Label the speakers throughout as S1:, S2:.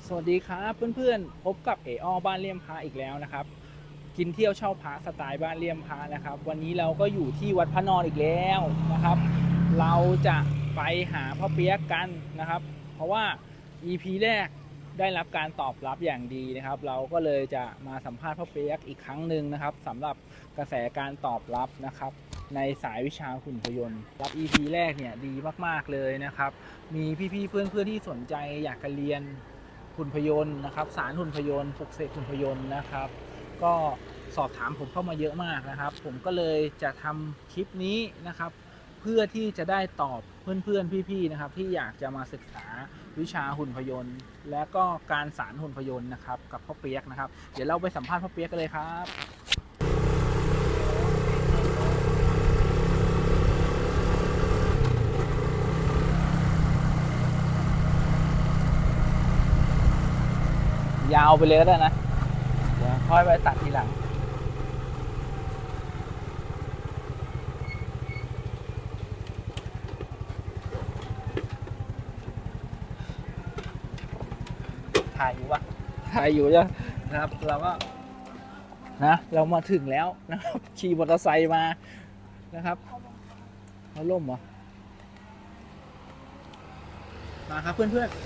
S1: สวัสดีครับเพื่อนๆพบกับเออบ้านเลี่ยมพระอีกแล้วนะครับกินเที่ยวเช่าพระสไตล์บ้านเลี่ยมพระนะครับวันนี้เราก็อยู่ที่วัดพระนอนอีกแล้วนะครับเราจะไปหาพ่อเปี๊ยกกันนะครับเพราะว่า EP แรกได้รับการตอบรับอย่างดีนะครับเราก็เลยจะมาสัมภาษณ์พ่อเปี๊ยกอีกครั้งหนึ่งนะครับสำหรับกระแสการตอบรับนะครับในสายวิชาหุ่นพยนต์รับ EP แรกเนี่ยดีมากๆเลยนะครับมีพี่ๆเพื่อนๆที่สนใจอยากจะเรียนหุ่นพยนต์นะครับสารหุ่นพยนต์ปลุกเสกหุ่นพยนต์นะครับก็สอบถามผมเข้ามาเยอะมากนะครับผมก็เลยจะทำคลิปนี้นะครับเพื่อที่จะได้ตอบเพื่อนๆพี่ๆนะครับที่อยากจะมาศึกษาวิชาหุ่นพยนต์และก็การสารหุ่นพยนต์นะครับกับพ่อเปี๊ยกนะครับเดี๋ยวเราไปสัมภาษณ์พ่อเปี๊ยกกันเลยครับยาวไปเลยก็ได้นะเดี๋ยวค่อยไปตัดทีหลังถ่ายอยู่ปะถ่ายอยู่จ้ะนะครับเราก็นะเรามาถึงแล้วนะครับขี่มอเตอร์ไซค์มานะครับเขาล่มเหรอมาครับเพื่อน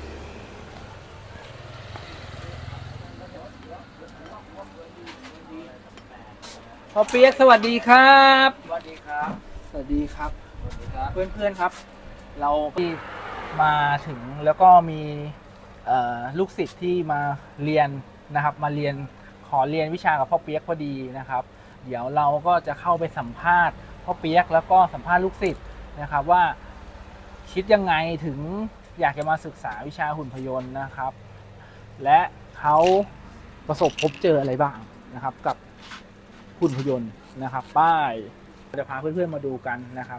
S1: ๆพ่อเปี๊ยกสวัสดีครับ
S2: สวัสดีครับ
S1: สวัสดีครับ
S2: สวัสดีครับ
S1: เพื่อนๆครับเราที่มาถึงแล้วก็มีลูกศิษย์ที่มาเรียนนะครับมาเรียนขอเรียนวิชากับพ่อเปี๊ยกพอดีนะครับเดี๋ยวเราก็จะเข้าไปสัมภาษณ์พ่อเปี๊ยกแล้วก็สัมภาษณ์ลูกศิษย์นะครับว่าคิดยังไงถึงอยากจะมาศึกษาวิชาหุ่นพยนต์นะครับและเขาประสบพบเจออะไรบ้างนะครับกับหุ่นพยนต์นะครับป้ายจะพาเพื่อนๆมาดูกันนะครับ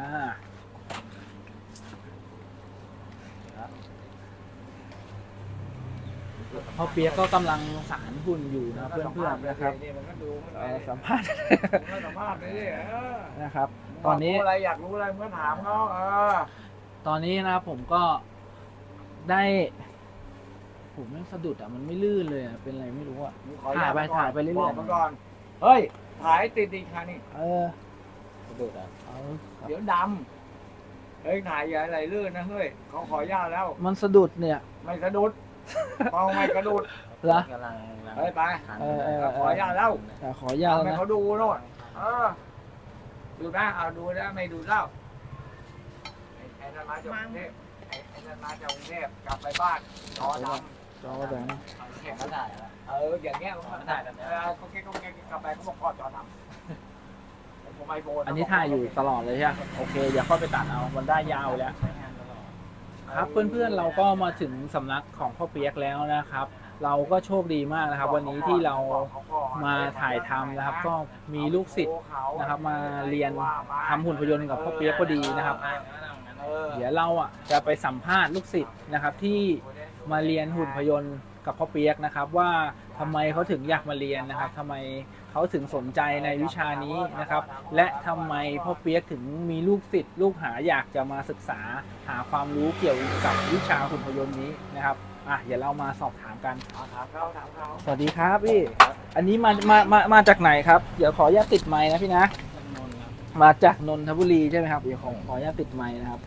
S1: พ่อเปี๊ยกก็กำลังสารหุ่นอยู่นะเพื่อนๆนะครับสัมภาษณ์
S2: สัมภาษณ์เลย
S1: นะครับ ตอนนี้
S2: อะไรอยากรู้อะไรเมื่อถามเขา
S1: ตอนนี้นะครับผมก็ได้ผมไม่สะดุดอ่ะมันไม่ลื่นเลยอ่ะเป็นอะไรไม่รู้อ่ะถ่ายไปเรื่อย
S2: ๆก่อนเฮ้ยถ่ายติดอีกครั้งนี่
S1: สะดุดอ่ะ
S2: เดี๋ยวดำเฮ้ยถ่ายอย่าอะไรลื่นนะเฮ้ยเขาขออนุญาตแล้ว
S1: มันสะดุดเนี่ย
S2: ไม่สะดุดเมาไม่กระดุด
S1: เหรอ
S2: เฮ้ยไปขออนุญาตแล้ว
S1: ขออนุญาตนะ
S2: เขาดูโน่นดูนะเอาดูนะไม่ดูเล่าไอ้นั่นมาจากกรุงเทพไอ้นั่นมาจากกรุงเทพกลับไปบ้านจอดำ
S1: จอแดง
S2: แข่งกันได้อย่างเงี้ยเขาถ่ายแบบเขาเก๊กกลับไปเขาบอกพ่อจอดำผมไอโฟน
S1: อันนี้ถ่ายอยู่ตลอดเลยใช่ไหมโอเคอย่าค่อยไปตัดเอามันได้ยาวแล้วครับเพื่อนๆเราก็มาถึงสำนักของพ่อเปี๊ยกแล้วนะครับเราก็โชคดีมากนะครับวันนี้ที่เรามาถ่ายทำนะครับก็มีลูกศิษย์นะครับมาเรียนทำหุ่นพยนต์กับพ่อเปี๊ยกพอดีนะครับเดี๋ยวเราจะไปสัมภาษณ์ลูกศิษย์นะครับที่มาเรียนหุ่นพยนต์กับพ่อเปี๊ยกนะครับว่าทำไมเขาถึงอยากมาเรียนนะครับทำไมเขาถึงสนใจในวิชานี้นะครับและทำไมพ่อเปี๊ยกถึงมีลูกศิษย์ลูกหาอยากจะมาศึกษาหาความรู้เกี่ยวกับวิชาหุ่นพยนต์นี้นะครับเดี๋ยวเรามาสอบถามกัน
S2: ถามเขา
S1: สวัสดีครับพี่อันนี้มาจากไหนครับเดี๋ยวขออนุญาตติดไมค์นะพี่นะมาจากนนทบุรีใช่ไหมครับเดี๋ยวขออนุญาตติดไมค์นะครับ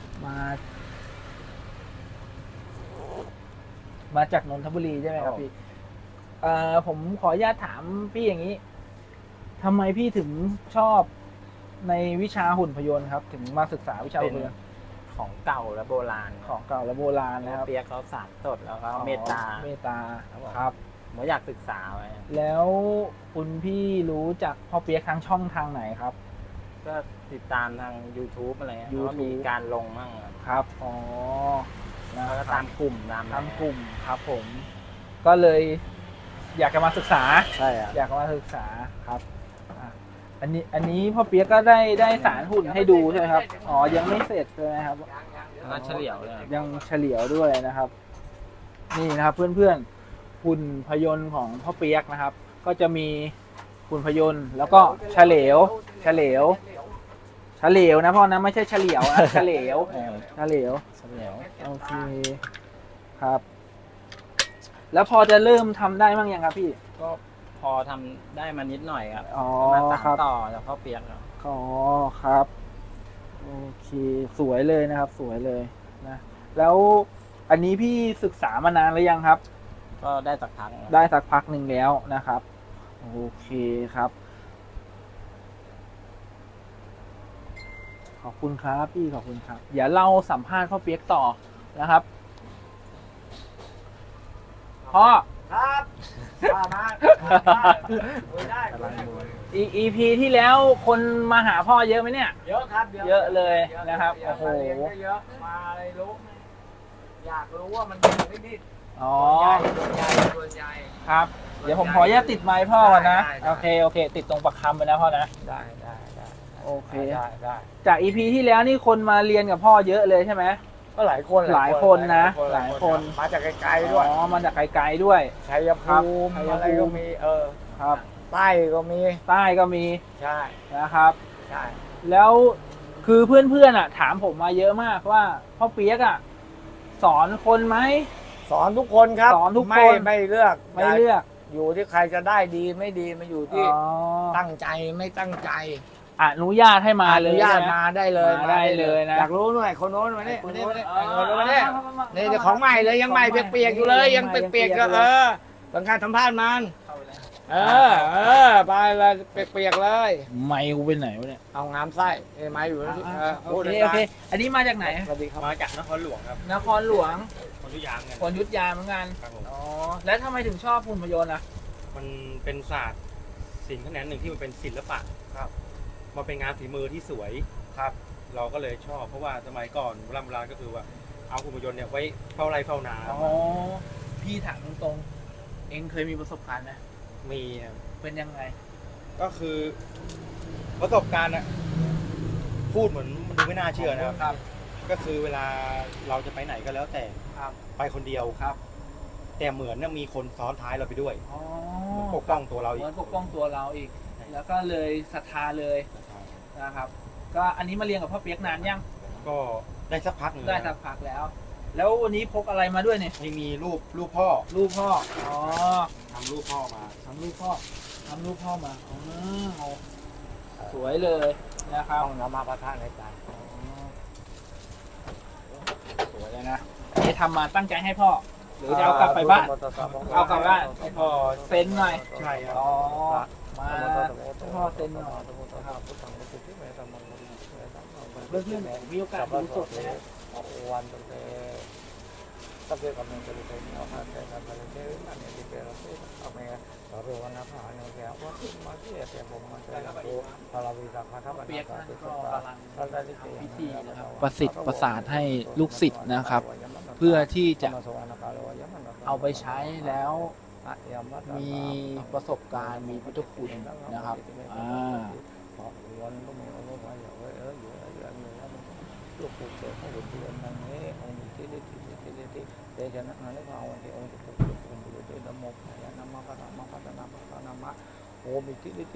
S1: มาจากนนทบุรีใช่ไหมครับพี่ผมขออนุญาตถามพี่อย่างนี้ทำไมพี่ถึงชอบในวิชาหุ่นพยนต์ครับถึงมาศึกษาวิชาหุ่นพยนต์
S3: ของเก่าและโบราณ
S1: ของเก่าและโบราณนะครับ
S3: เปียกเขาสานสดแล้วก็เมตตา
S1: ครับ
S3: ผมอยากศึกษาไว้
S1: แล้วคุณพี่รู้จักพ่อเปี๊ยกทางช่องทางไหนครับ
S3: ก็ติดตามทาง YouTube อะไรเงี้ยก็มีการลงมั่ง
S1: ครับ
S3: แล้วก็ตามกลุ่ม
S1: ครับผมก็เลยอยากจะมาศึกษา
S3: ใช่
S1: อยากมาศึกษาครับอันนี้พ่อเปี๊ยกก็ได้สารหุ่นให้ดูใช่ไหมครับยังไม่เสร็จเลยครับ
S3: ก็เฉลียวเลย
S1: ยังเฉลียวด้วยนะครับนี่นะครับเพื่อนๆหุ่นพยนต์ของพ่อเปี๊ยกนะครับ ก็จะมีหุ่นพยนต์แล้วก็เฉลียวนะพ่อนะไม่ใช่เฉลียวนะเฉลียวโอเคครับแล้วพอจะเริ่มทำได้บ้างยังครับพี่
S3: ก็พอทำได้มานิดหน่อยครับ
S1: อ๋อ
S3: มาสา
S1: ครั
S3: น
S1: บ
S3: ต่อจากพ่อเปียกครับ
S1: อ๋อครับโอเคสวยเลยนะครับ สวยเลยนะแล้วอันนี้พี่ศึกษามานานหรือยังครับ
S3: ก็ได้สักพักครับ
S1: ได้สักพักหนึ่งแล้วนะครับโอเคครับ ขอบคุณครับพี่ขอบคุณครับเดี๋ยวเราสัมภาษณ์พ่อเปียกต่อนะครับพ่อ
S2: ครับมาคุยได้
S1: EP ที่แล้วคนมาหาพ่อเยอะไหมเนี่ย
S2: เยอะครับ
S1: เยอะเลยนะครับโอ้โห
S2: มาเรียนก็เยอะมาอะไรรู้อยากรู้ว่ามันเป็นนิด
S1: อ๋อ
S2: ส่วนใหญ่
S1: ครับ เดี๋ยวผมขออนุญาตติดไมค์พ่อก่อนนะ
S2: ได้
S1: โอเคโอเค ติดตรงปักคำไปนะพ่อนะ
S2: ได้
S1: โอเค
S2: ได้
S1: จาก EP ที่แล้วนี่คนมาเรียนกับพ่อเยอะเลยใช่ไหม
S2: ก็หลายคน
S1: หลายคนนะหลายคน
S2: มาจากไกลๆด้วย
S1: อ๋อมาจากไกลๆด้วย
S2: ชัยภูมิ
S1: ครับ
S2: อะไรก็มี
S1: ครับ
S2: ใต้ก็มี
S1: ใต้ก็มี
S2: ใช่
S1: นะครับ
S2: ใช่
S1: แล้วคือเพื่อนๆอ่ะ ถามผมมาเยอะมากว่าพ่อเปียกอ่ะสอนคนไหม
S2: สอนทุกคนครับ
S1: สอนทุกคน
S2: ไม่เลือก
S1: ไม่เลือก
S2: อยู่ที่ใครจะได้ดีไม่ดีมาอยู่ที่
S1: อ๋อ
S2: ตั้งใจไม่ตั้งใจ
S1: อนุญาตให้มา
S2: อ
S1: เลย
S2: นุญาต
S1: ใช่ไห
S2: มาได้เลย
S1: มาได้เลยนะ
S2: อยากรู้หน่อยคนโน้นมาเนี่ย
S1: คน
S2: มา
S1: นู้
S2: เนี่ย
S1: น
S2: มาเนี่ยมาเนี่ยนี่เดี๋ยวของใหม่เลยยังใหม่เปียกๆอยู่เลยยังเปียกๆก็ต้องการสัมภาษณ์มันไปเลยเปียกๆเลย
S1: ไม่กูไปไหนวะเนี่ย
S2: เอางามไส้ไม้อยู่นี่
S1: โอเคโอเค อันนี้มาจากไหน
S2: สวัสดีครับ
S4: มาจากนครหลวงครับ
S1: นครหลวง
S4: คนทุกอย่างเงิน
S1: คนยุทธยาเหมือนกัน
S4: ครับผม
S1: อ๋อแล้วทำไมถึงชอบหุ่นพยนต์อ่ะ
S4: มันเป็นศาสตร์ศิลป์แขนงหนึ่งที่มันเป็นศิลปะ
S2: ครับ
S4: มันเป็นงานฝีมือที่สวยครับ เราก็เลยชอบเพราะว่าสมัยก่อนโบราณก็คือว่าเอาหุ่นยนต์เนี่ยไว้เฝ้าไร่เฝ้านา
S1: อ๋อพี่ถามตรงๆเองเคยมีประสบการณ์ไหม
S4: มีครับ
S1: เป็นยังไง
S4: ก็คือประสบการณ์อะพูดเหมือนมันดูไม่น่าเชื่อนะครับ
S1: ครับ
S4: ก็คือเวลาเราจะไปไหนก็แล้วแต่
S1: ครับ
S4: ไปคนเดียว
S1: ครับ
S4: แต่เหมือนเนี่ยมีคนซ้อนท้ายเราไปด้วย
S1: อ๋อ
S4: เหมือนปกป้องตัวเรา
S1: เห
S4: อี
S1: มื
S4: ก
S1: อนปกป้องตัวเราอีก แล้วก็เลยศรัทธาเลยนะครับ ก็อันนี้มาเรียนกับพ่อเปียกนานยัง
S4: ก็ได้สักพักหนึ่ง
S1: ได้สักพักแล้ว แล้ววันนี้พกอะไรมาด้วยเนี่ย
S4: นี่มีรูปพ่อ
S1: รูปพ่อ อ๋อ
S4: ทำรูปพ่อมา
S1: ทำรูปพ่อมาอ๋อสวยเลยนะครับ
S2: ต้องนำมาประทานในใจ
S1: อ๋อสวยเลยนะอันนี้ทำมาตั้งใจให้พ่อ หรือจะเอากลับไปบ้าน เอากลับบ้านให้พ่อเซ็นหน่อย
S4: ใช่ครับ
S1: อ๋อ มาให้พ่อเซ็นหน่อยเพื่อนๆมีโอกาสดูสดนะ
S2: วันตั้งแต่ตั้งแต่กำลังจะไปเอาผ่านไปทำอะไรเยอะอันนี้ที่เป็นเราเอาไปเราเรียกว่านักหาเนี่ยแกว่ามาที่แต่ผมมันจะรู้พอเราวิจารณ์ครับ
S1: เปียกนั่นก็กำลัง
S2: เราได้ที่
S1: พิธีนะครับประสิทธิ์ประสาทให้ลูกศิษย์นะครับ เพื่อที่จะเอาไปใช้แล้วมีประสบการณ์มีพุทธคุณนะครับ
S2: ลูกปู่เสกให้หลุดเดือนนั้นนี้องค์ที่ได้ที่เดชนะนั้นพระองค์ที่องค์จะปกป้องอยู่ด้วยนโมยะนามะพระนามะพระนามะพระนามะโอมิที่ได้ที่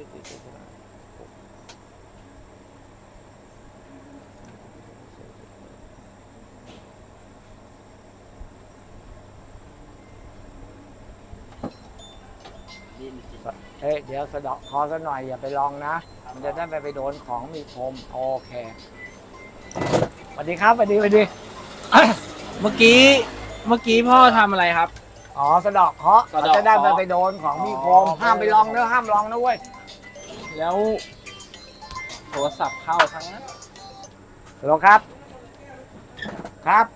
S2: เดี๋ยวสะเดาะคอซะหน่อยอย่าไปลองนะมันจะได้ไปโดนของมีคมโอเคสวัสดีครับสวัสดี
S1: เมื่อกี้พ่อทำอะไรครับ
S2: อ๋อสะเดาะเคราะห์
S1: สะ
S2: เรา
S1: เดาะ
S2: จะได้
S1: เคราะห์
S2: ไปโดนของมีคม
S1: อ๋อ
S2: ห้ามไปลองนะห้ามลองนะเว้ย
S1: แล้วโทรศัพท์เข้าทั้งนั้น
S2: ฮัลโหลครับ ครับ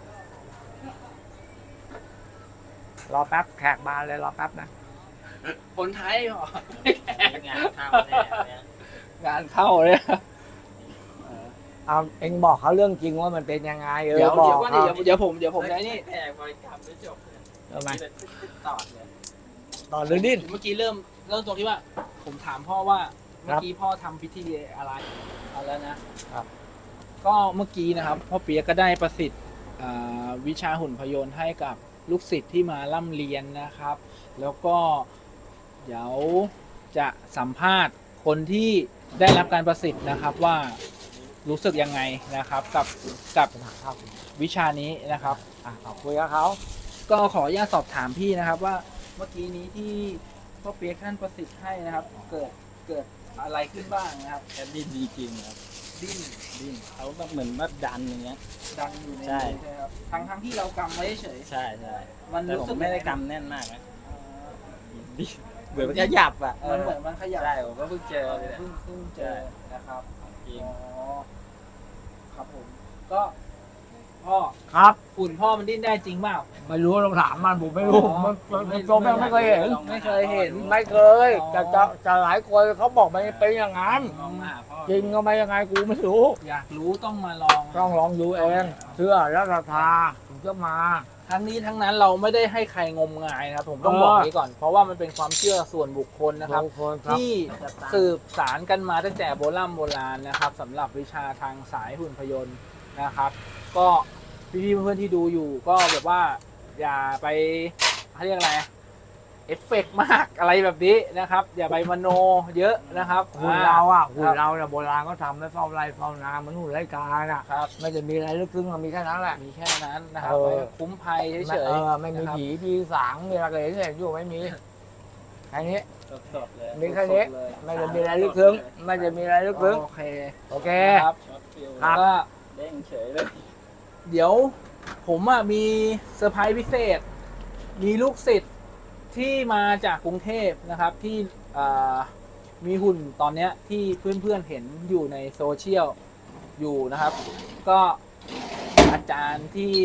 S2: รอแป๊บแขกมาเลยรอแป๊บนะ
S1: คนไทยเหรอง
S3: านเข้าแน่เนี่ย
S1: งานเข้าเลย
S2: เอาเอ็งบอกเขาเรื่องจริงว่ามันเป็นยังไง
S1: เดี๋ยว
S2: บอก
S1: ก่อน
S2: เขา
S1: เดี๋ยวผมได้นี่
S3: แขกบริการไม่จบเลย
S2: ทำไม
S3: ต่อเลย
S2: ต่อหรือดิ้น
S1: เมื่อกี้เริ่มตรงที่ว่า ผมถามพ่อว่าเมื่อกี้พ่อทำพิธีอะไรเอาแล้วนะครับ ก็เมื่อกี้นะครับพ่อเปียกก็ได้ประสิทธิ์วิชาหุ่นพยนต์ให้กับลูกศิษย์ที่มาร่ำเรียนนะครับ แล้วก็เดี๋ยวจะสัมภาษณ์คนที่ได้รับการประสิทธิ์นะครับว่ารู้สึกยังไงนะครับกับวิชานี้นะครับ
S2: ขอบคุยกับเขา
S1: ก็ขออนุญาตสอบถามพี่นะครับว่าเมื่อกี้นี้ที่พ่อเปียกท่านประสิทธิ์ให้นะครับ เกิดอะไรขึ้นบ้างนะครับ
S3: แค่ดิ้นดีจริงครับ
S1: ดิ้น
S3: ดิ้นเขาแบบเหมือนว่าดันอย่างเงี้ย
S1: ดังอยู่ใน
S3: ใช่
S1: มือใช่ไหมครับทั้งที่เรากำไว้เฉย
S3: ใช่ใช่
S1: มัน
S3: แต่
S1: รู้
S3: ผ
S1: สึก
S3: มไม่ได้
S1: ยังง
S3: กำแน่นมากนะ
S1: อ่า
S3: ดิ้นเหมือนมันขยับอ่ะ
S1: มันเหมือนมันขยับ
S3: ใช่ผมก็เพิ่งเจอเลยเนี่ย
S1: เพิ่งเจอนะครับ
S3: จริง
S1: อ๋อครับผมก็พ่อ
S2: ครับ
S1: หุ่นพ่อมันดิ้นได้จริงเปล่า
S2: ไม่รู้ลองถามมันผมไม่รู้
S1: อ๋อ
S2: มันตัวไม่เคยเห็น
S1: ไม่เคยเห็น
S2: ไม่เคยจะหลายคนเขาบอกมันเป็นอย่างนั้น
S3: ลองมาหาพ่อ
S2: จริงก็ไม่ยังไงกูไม่รู้
S1: อยากรู้ต้องมาลอง
S2: ต้องลองดูเองเชื่อแล้วศรัทธาถึงจะมา
S1: ทั้งนี้ทั้งนั้นเราไม่ได้ให้ใครงมงายนะครับผมต้องบอกนี้ก่อน เพราะว่ามันเป็นความเชื่อส่วนบุคคลนะครับ
S2: ทุกคนครับ
S1: ที่สืบสารกันมาตั้งแต่โบราณนะครับสำหรับวิชาทางสายหุ่นพยนต์นะครับ ก็พี่ๆเพื่อนๆที่ดูอยู่ก็แบบว่าอย่าไปเขาเรียกอะไรเอฟเฟกต์มากอะไรแบบนี้นะครับ อย่าไปมโนเยอะนะครับ
S2: หุ่นเราอ่ะหุ่นเราเนี่ยโบราณก็ทำไว้เฝ้าไร่เฝ้านามันหุ่นไร่กาอ่ะ
S1: ครับ
S2: ไม่จะมีอะไรลึกซึ้งมันมีแค่นั้นแหละ
S1: มีแค่นั้นนะครับ
S2: เออ
S1: ไว้คุ้มภัยเฉย
S2: ไม่มี
S1: นะครับ
S2: ผีมีสางมีอะไรเห็นอยู่ไม่มีแค่นี้
S3: สดๆเลย
S2: มีแค่นี้
S1: สดๆเลย
S2: ไม่จะมีอะไรลึกซึ้งไม่จะมีอะไรลึกซึ้ง
S1: โอเค
S2: โอเค
S1: ครับ
S3: ช็อตฟิล
S2: ครับ
S1: ก็
S3: เด้งเฉยเลย
S1: เดี๋ยวผมมีเซอร์ไพรส์พิเศษ มีลูกศิษย์ที่มาจากกรุงเทพนะครับที่มีหุ่นตอนเนี้ยที่เพื่อนๆเห็นอยู่ในโซเชียลอยู่นะครับ ก็อาจารย์ที่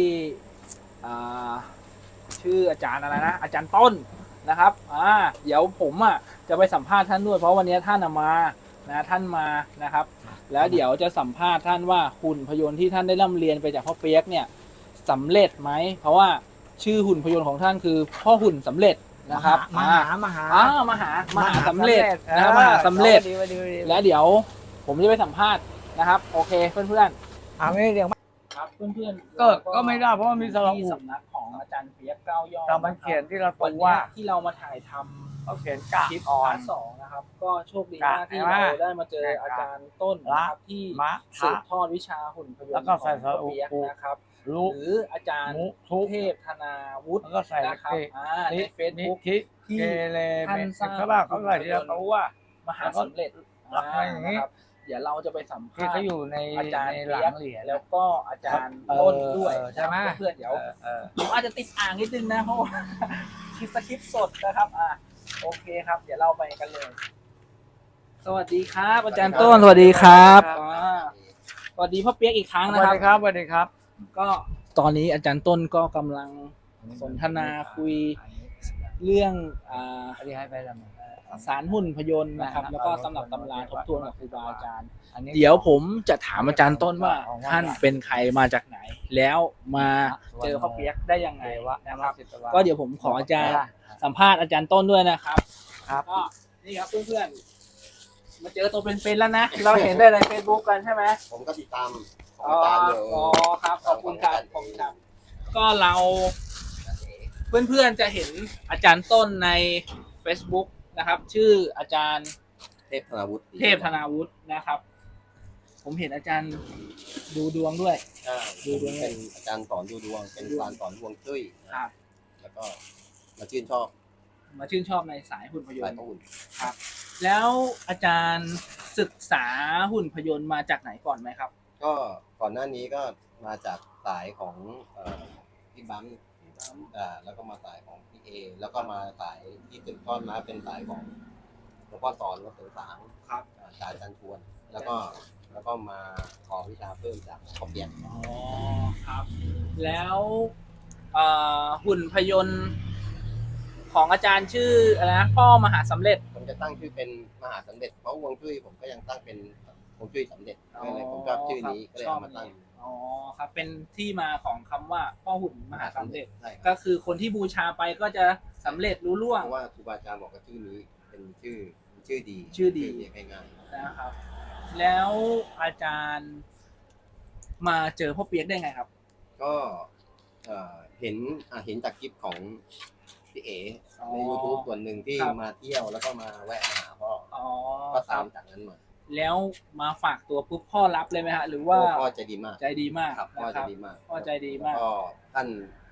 S1: ชื่ออาจารย์อะไรนะอาจารย์ต้นนะครับเดี๋ยวผมจะไปสัมภาษณ์ท่านด้วยเพราะวันนี้ท่านมานะท่านมานะครับ แล้วเดี๋ยวจะสัมภาษณ์ท่านว่าหุ่นพยนต์ที่ท่านได้ร่ำเรียนไปจากพ่อเปียกเนี่ยสำเร็จไหมเพราะว่าชื่อหุ่นพยนต์ของท่านคือพ่อหุ่นสำเร็จนะครับ
S2: มหามหา
S1: สำเร็จนะครับมหาสำเร็จ
S2: ดีดี
S1: แล้วเดี๋ยวผมจะไปสัมภาษณ์นะครับ โอเคเพื่อน
S2: เอาไม่เดี๋ยว
S1: ๆครับเพื่อนๆ
S2: ก็ไม่ได้เพราะว่ามีสระอุ
S1: ที่สำนักของอาจารย์เปียก9 ยอด
S2: แต่มันเขียนที่เราตั
S1: วัน
S2: ว
S1: นี้
S2: ว่า
S1: ที่เรามาถ่ายทำ
S2: เขาเขียนกะ
S1: คลิป
S2: อ่อ
S1: พาน ร์ทสองนะครับ ก็โชคดีมากที่
S2: ใช่ไหม
S1: เราได้มาเจออาจารย์ต้นนะครับที่
S2: มะ
S1: สืบทอดวิชาหุ่นพยน
S2: แล้ว
S1: ต์
S2: ก็
S1: ข
S2: ใส่
S1: อง
S2: สระ
S1: พ่อ
S2: อุ
S1: เปียกนะครับ
S2: ลูก
S1: หรืออาจารย์
S2: มุทุก
S1: เทพธนาวุฒิ
S2: แล้วก็ใส่
S1: นะครับ
S2: เก
S1: ในเฟซบุ๊ก
S2: ที่
S1: ที่
S2: เกเร
S1: ท่านสร้าง
S2: เขาบอกเขาใส่ที่เราตัวว่า
S1: มหาสำเร็จ
S2: แล้วก็อย่างนี้
S1: นะครับเดี๋ยวเราจะไปสัม
S2: ที่
S1: ภาษ
S2: เขา
S1: ณ์
S2: อยู่ใน
S1: อาจารย์
S2: ในห
S1: เปี
S2: ลั
S1: ยก
S2: งเหรียญ
S1: แล้วก็อาจารย์ต้นด้วย
S2: ใช่ไหม
S1: เพื่อนๆเดี๋ยว
S2: เออ
S1: ผมอาจจะติดอ่างนิดนึงนะเพราะว่า คลิปสดนะครับโอเคครับ เดี๋ยวเราไปกันเลย สวัสดีครับ อาจารย์ต้นสวัสดีครับสวัสดีพ่อเปียกอีกครั้ง
S2: ส
S1: นะ
S2: วัส
S1: ครับ
S2: ดีครับสวัสดีครับ
S1: ก็ตอนนี้อาจารย์ต้นก็กำลังสนทนาคุยเรื่อง
S2: อันนี้ให้ไปแล้วมั้ง
S1: สารหุ่นพยนต์นะครับ แล้วก็ตำรับตำราทบทวนกับครูบาอาจารย์
S2: อันนี้
S1: เดี๋ยวผมจะถามอาจารย์ต้นว่าท่านเป็นใครมาจากไหน แล้วมาเจอพ่อเปียกได้ยังไงวะนะครับ ก็เดี๋ยวผมขออาจารย์สัมภาษณ์อาจารย์ต้นด้วยนะครับ
S2: ครับ
S1: ก็นี่ครับเพื่อนๆมาเจอตัวเป็นๆแล้วนะ เราเห็นได้ใน Facebook กันใช่ไหม
S5: ผมก็ติดตามของ
S1: อ๋อ
S5: อาจารย์อยู่
S1: ครับขอบคุณครับขอบคุณครับ ก็เราเพื่อนๆจะเห็นอาจารย์ต้นใน Facebook นะครับ ชื่ออาจารย์
S5: เทพธนาวุฒิ
S1: เทพธนาวุฒินะครับ ผมเห็นอาจารย์ดูดวงด้วย
S5: ใช่
S1: ดูดวง
S5: เป็นอาจารย์สอนดูดวง เป็นการสอนดวงจุ้ย
S1: ครับ
S5: แล้วก็มาชื่นชอบ
S1: มาชื่นชอบในสายหุ่นพย
S5: สาย
S1: นต์
S5: พระอุ่น
S1: ครับ แล้วอาจารย์ศึกษาหุ่นพยนต์มาจากไหนก่อนไหมครับ
S5: ก็ก่อนหน้านี้ก็มาจากสายของพี่บัมแล้วก็มาสายของพี่เอ แล้วก็มาสายที่สืบทอดมาเป็นสายของหลวงพ่อสอนวัดเสริงสาง
S1: ครับ
S5: สายอาจารย์ชวน แล้วก็มาขอวิชาเพิ่มจากขอบเปียก
S1: อ๋อครับ แล้วหุ่นพยนต์ของอาจารย์ชื่ออะไรนะพ่อมหาสำเร็จ
S5: ผมจะตั้งชื่อเป็นมหาสำเร็จ เพราะฮวงจุ้ยผมก็ยังตั้งเป็นฮวงจุ้ยสำเร็จก็เลยผมชอบชื่อนี้ก็เลยเอามาตั้ง
S1: อ๋อครับเป็นที่มาของคำว่าพ่อหุ่นมหาสำเร็จ
S5: ใช่ครับ
S1: ก็คือคนที่บูชาไปก็จะสำเร็จรู้ล่วง
S5: เพราะว่าครูบาอาจารย์บอกว่าชื่อนี้เป็นชื่อดี
S1: ชื่อดี
S5: เรียกง่าย
S1: นะครับ แล้วอาจารย์มาเจอพ่อเปียกได้ไงครับ
S5: ๆก็เห็นจากคลิปของพี่เอ๋
S1: อ๋อ
S5: ใน YouTube ส่วนหนึ่งที่
S1: ครับ
S5: มาเที่ยวแล้วก็มาแวะหาพ่อ
S1: อ๋อ
S5: ก็
S1: ค
S5: ตา
S1: รั
S5: ม
S1: บ
S5: จากนั้นมา
S1: แล้วมาฝากตัวปุ๊บพ่อรับเลยไหมฮะหรือว่า
S5: พ่อใจดีมาก
S1: ใจดีมาก
S5: ครับพ่อ
S1: นะ
S5: ใจดีมาก
S1: พ่อใจดีมาก
S5: ก็ท่าน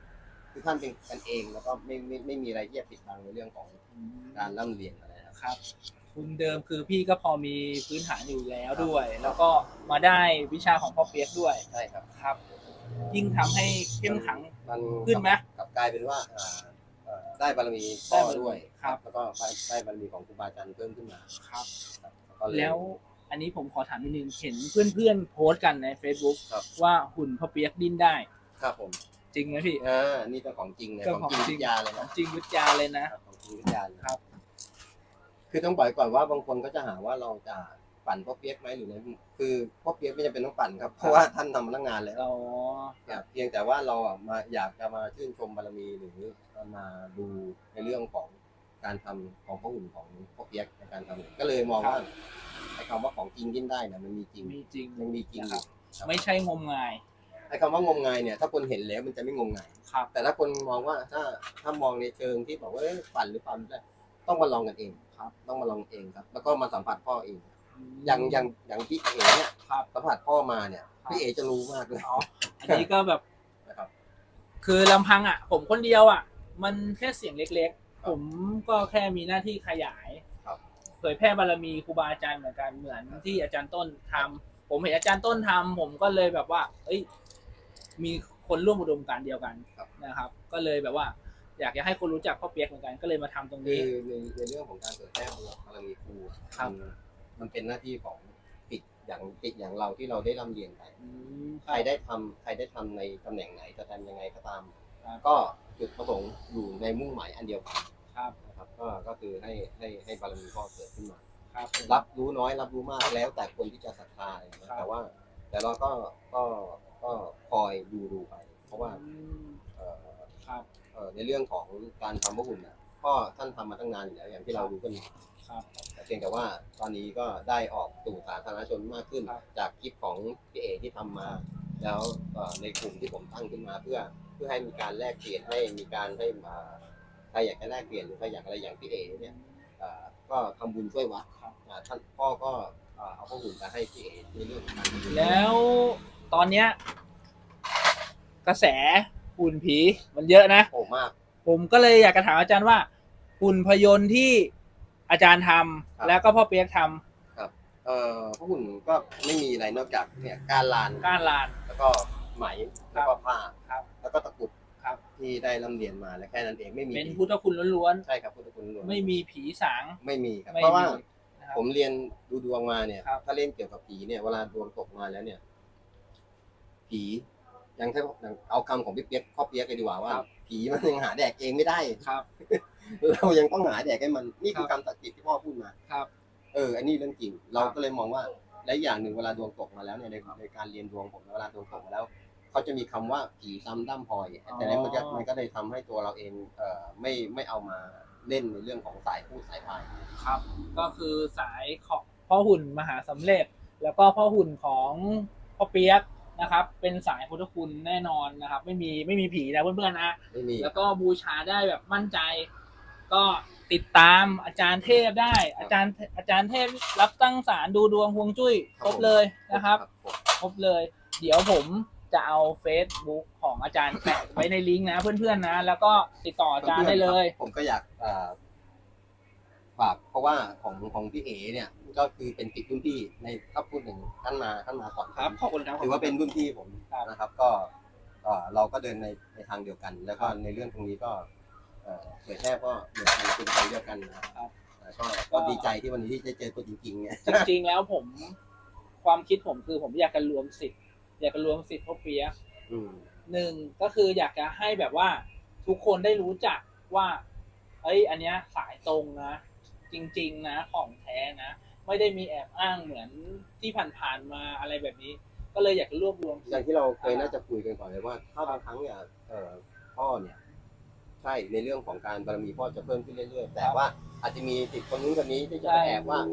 S5: คือท่านเป็นกันเองแล้วก็ไม่มีอะไรที่จะปิดบังในเรื่องของการร่ำเรียนอะไรนะครับ
S1: ครับทุนเดิมคือพี่ก็พอมีพื้นฐานอยู่แล้วด้วย แล้วก็มาได้วิชาของพ่อเปียกด้วย
S5: ใช่ครับ
S1: ครับ ยิ่งทำให้เข้มขัง
S5: มัน
S1: ขึ้นไหม
S5: กลับกลายเป็นว่าได้บารมีพ่อด้วย
S1: ครับ
S5: แล้วก็ได้บารมีของครูบาอาจารย์เพิ่มขึ้นมา
S1: ครับ
S5: ครับก็เย
S1: แล้วอันนี้ผมขอถามนิดนึงเห็นเพื่อนๆโพสต์กันใน Facebook
S5: ครับ
S1: ว่าหุ่นพ่อเปียกดิ้นได้
S5: ครับผม
S1: จริงไหมพี่
S5: นี่เป็นของจริงเลย
S1: ก็
S5: ของจริง
S1: ของจริ
S5: วิ
S1: ง
S5: ทยาเลย
S1: ขอ
S5: นะ
S1: งจริงวิทยาเลยนะ
S5: ของจริงวิทยาเลย
S1: ครับ
S5: คือต้องบอกก่อนว่าบางคนก็จะหาว่าเราจะปั่นพ่อเปี๊ยกไหมหรือไงคือพ่อเปี๊ยกไม่จำเป็นต้องปั่นครับเพราะว่าท่านทำมาตั้งนานแล้ว
S1: อ๋อ
S5: ครับเพียงแต่ว่าเรามาอยากจะมาชื่นชมบารมีหรือมาดูในเรื่องของการทำของพระหุ่นของพ่อเปี๊ยกในการทำก็เลยมองว่าไอ้คำว่าของจริงดิ้นได้เนี่ยมันมีจริง
S1: มีจริง
S5: ยังมีจริงอยู่
S1: ครับ ไม่ใช่งมงาย
S5: ไอ้คำว่างมงายเนี่ยถ้าคนเห็นแล้วมันจะไม่งมงาย
S1: ครับ
S5: แต่ถ้าคนมองว่าถ้ามองในเชิงที่บอกว่าปั่นหรือปั่นไม่ได้ต้องมาลองกันเอง
S1: ครับ
S5: ต้องมาลองเองครับ แล้วก็มาสัมผัสพ่อเอง อย่างพี่เอ๋เนี่ย
S1: ครับ
S5: สัมผัสพ่อมาเนี่ยพี่เอ๋จะรู้มากเลย
S1: อ๋ออันนี้ก็แบบ
S5: นะครับ
S1: คือลำพังอ่ะ ผมคนเดียวอ่ะ มันแค่เสียงเล็กๆ ผมก็แค่มีหน้าที่ขยาย
S5: ครับ
S1: เผยแพร่บารมีครูบาอาจารย์เหมือนกันเหมือนที่อาจารย์ต้นทำผมเห็นอาจารย์ต้นทำผมก็เลยแบบว่า เอ้ย มีคนร่วมอุดมการณ์เดียวกันนะครับ ก็เลยแบบว่า อยากจะให้คนรู้จักพ่อเปียกเหมือนกันก็เลยมาทำตรง
S5: คื
S1: นี้
S5: อในเรื่องของการเผยแพร่บารมีครู
S1: ครับ
S5: มันเป็นหน้าที่ของปิดอย่างเราที่เราได้ร่ำเรียนไป
S1: อืม
S5: ใครได้ทำในตำแหน่งไหนจะทำยังไงก็ตาม
S1: ครับ
S5: ก็จุดประสงค์อยู่ในมุ่งหมายอันเดียวกัน
S1: ครับ
S5: นะครับก็คือให้บารมีพ่อเกิดขึ้นมา
S1: ครับ
S5: รับรู้น้อยรับรู้มากแล้วแต่คนที่จะศรัทธาอะไรอย่างเงี้ย
S1: ครับ
S5: แต่เราก็คอยดูไป เพราะว่า
S1: อืม
S5: เอ่อ
S1: ครับ
S5: ในเรื่องของการทำพระหุ่นน่ะพ่อท่านทำมาตั้งนานอยู่แล้วอย่างที่เรารู้กันอยู่
S1: ครับ
S5: แต่เพียงแต่ว่าตอนนี้ก็ได้ออกสู่สาธารณชนมากขึ้น
S1: ครับ
S5: จากคลิปของพี่เอที่ทำมา แล้วในกลุ่มที่ผมตั้งขึ้นมาเพื่อให้มีการแลกเปลี่ยนให้มีการให้ใครอยากจะแลกเปลี่ยนหรือใครอยากอะไรอย่างพี่เอเนี่ยก็ทำบุญช่วยวัด
S1: ครับ
S5: ท่านพ่อก็เอาพระหุ่นมาให้พี่เอในเรื่องของการทำบุญ
S1: แล้วตอนเนี้ยกระแสหุ่นผีมันเยอะนะ
S5: โอ้มาก
S1: ผมก็เลยอยากจะถามอาจารย์ว่าหุ่นพยนต์ที่อาจารย์ทำ
S5: ครับ
S1: แล้วก็พ่อเปียกท
S5: พระหุ่นก็ไม่มีอะไรนอกจากเนี่ยการลาน
S1: ำก้านลาน
S5: แล้วก็ไหมแล้วก็ผ้า
S1: ครับ
S5: แล้วก็ตะกรุด
S1: ครับ
S5: ที่ได้ร่ำเรียนมาและแค่นั้นเองไม่มี
S1: เป็นพุทธคุณล้วน
S5: ใช่ครับพุทธคุณล้วน
S1: ๆไม่มีผีสาง
S5: ไม่มีครับ
S1: ไม่
S5: เพราะว่า
S1: มีนะครับ
S5: ผมเรียนดูดวงมาเนี่ย
S1: ครับ
S5: ถ้าเล่นเกี่ยวกับผีเนี่ยเวลาดวงตกมาแล้วเนี่ย ผียังถ้าเอาคำของพี่เปี๊ยกพ่อเปี๊ยกเลยดีกว่าว่า ผีมันยังหาแดกเองไม่ได้
S1: ครับ
S5: เรายังต้องหาแดกให้มันนี่คือคำตัดสินที่พ่อพูดมา
S1: ครับ
S5: อันนี้เรื่องจริง เราก็เลยมองว่าและอย่างหนึ่งเวลาดวงตกมาแล้วเนี่ยในการเรียนดวงผมเวลาดวงตกมาแล้วเขาจะมีคำว่าผีซ้ำด้ามพลอยแต่นั้นมันก็เลยทำให้ตัวเราเองไม่เอามาเล่นในเรื่องของสายพูดสายพาย
S1: ครับ ก็คือสายของพ่อหุ่นมหาสำเร็จ แล้วก็พ่อหุ่นของพ่อเปียกนะครับ เป็นสายพุทธคุณแน่นอนนะครับ ไม่มีผีนะเพื่อนๆนะ
S5: ไม่มี
S1: แล้วก็บูชาได้แบบมั่นใจ ก็ติดตามอาจารย์เทพได้ อาจารย์เทพรับตั้งศาลดูดวงฮวงจุ้ยครบเลยนะครับ ครบเลย เดี๋ยวผมจะเอา Facebook ของอาจารย์แปะไว้ในลิงก์นะเพื่อนๆนะ แล้วก็ติดต่ออาจารย์ได้เลย
S5: ผมก็อยากฝากเพราะว่าของพี่เอเนี่ยก็คือเป็นติดรุ่นพี่ในถ้าพูดถึงท่านมาก่อน
S1: ครับ ขอบคุณครับ
S5: ถือว่าเป็นรุ่นพี่ผม
S1: ครับ
S5: นะครับ ก็เราก็เดินในทางเดียวกัน แล้วก็ในเรื่องตรงนี้ก็เผยแพร่ก็เหมือนกันเป็นทางเดียวกันนะครับก็ดีใจที่วันนี้ที่ได้เจอตัวจริงๆเนี่ย
S1: จริงๆแล้วความคิดผมคือผมอยากจะรวมสิทธิ์พ่อเปียก หนึ่งก็คืออยากจะให้แบบว่าทุกคนได้รู้จักว่าเอ้ยอันเนี้ยสายตรงนะ จริงๆนะของแท้นะ ไม่ได้มีแอบอ้างเหมือนที่ผ่านๆมาอะไรแบบนี้ ก็เลยอยากจะรวบรวม
S5: อย่างที่เราเคยน่าจะคุยกันก่อนเลยว่าถ้าบางครั้งเนี่ยพ่อเนี่ยใช่ในเรื่องของการบารมีพ่อจะเพิ่มขึ้นเรื่อยๆแต่ว่าอาจจะมีติดคนนู้นคนนี้ที่จะแอบว่า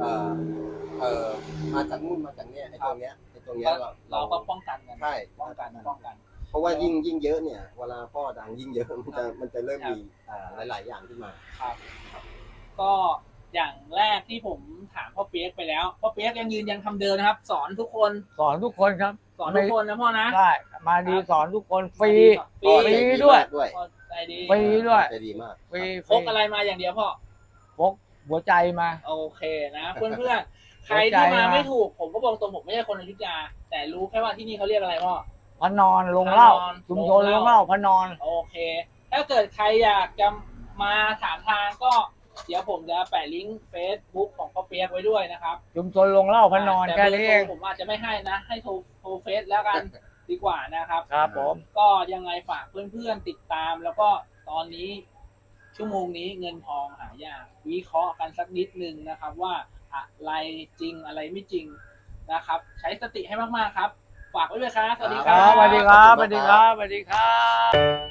S5: มาจากนู่นมาจากเนี้ยไอ้ตรงเนี้ย
S1: เราก็ป้องกันกัน
S5: ใช่
S1: ป้องกัน
S5: เพราะว่ายิ่งเยอะเนี่ยเวลาพ่อดังยิ่งเยอะมันจะเริ่มมีหลายๆอย่างขึ้นมา
S1: ครับ ก็อย่างแรกที่ผมถามพ่อเปียกไปแล้วพ่อเปียกยังยืนยันคำเดิมนะครับ สอนทุกคน
S2: สอนทุกคนครับ
S1: สอนทุกคนนะพ่อนะ
S2: ได้มาดีสอนทุกคนฟรี
S1: ฟรี
S2: ฟรีด้วย
S1: พ่อใจดี
S2: ฟรีด้วย
S5: ใจดีมาก
S2: ฟรี
S1: พกอะไรมาอย่างเดียวพ่อ
S2: พกหัวใจมา
S1: โอเคนะ เพื่อนๆ ใครที่มาไม่ถูกผมก็บอกตรงผมไม่ใช่คนอยุธยา แต่รู้แค่ว่าที่นี่เขาเรียกอะไรพ่อ
S2: พระนอนลงเหล้า
S1: พระนอน
S2: ชุมชนลงเหล้าพระนอน
S1: โอเค ถ้าเกิดใครอยากจะมาถามทางก็เดี๋ยวผมจะแปะลิงก์ Facebook ของพ่อเปียกไว้ด้วยนะครับ
S2: ชุมชนลงเหล้าพระนอน
S1: แต่
S2: แค่
S1: เบอร์
S2: นี้
S1: โท
S2: เอง
S1: รผมอาจจะไม่ให้นะ ให้โทรเฟซแล้วกันดีกว่านะครับ
S2: ครับผม
S1: ก็ยังไงฝากเพื่อนๆติดตาม แล้วก็ตอนนี้ชั่วโมงนี้เงินทองหายากวิเคราะห์กันสักนิดนึงนะครับ ว่าอะไรจริงอะไรไม่จริงนะครับ ใช้สติให้มากๆครับ ฝากไว้ด้วยครับ สวัสดีค
S2: ค
S1: รั
S2: รับ บสวัสดีครับสวัสดีครับสวัสดีครับ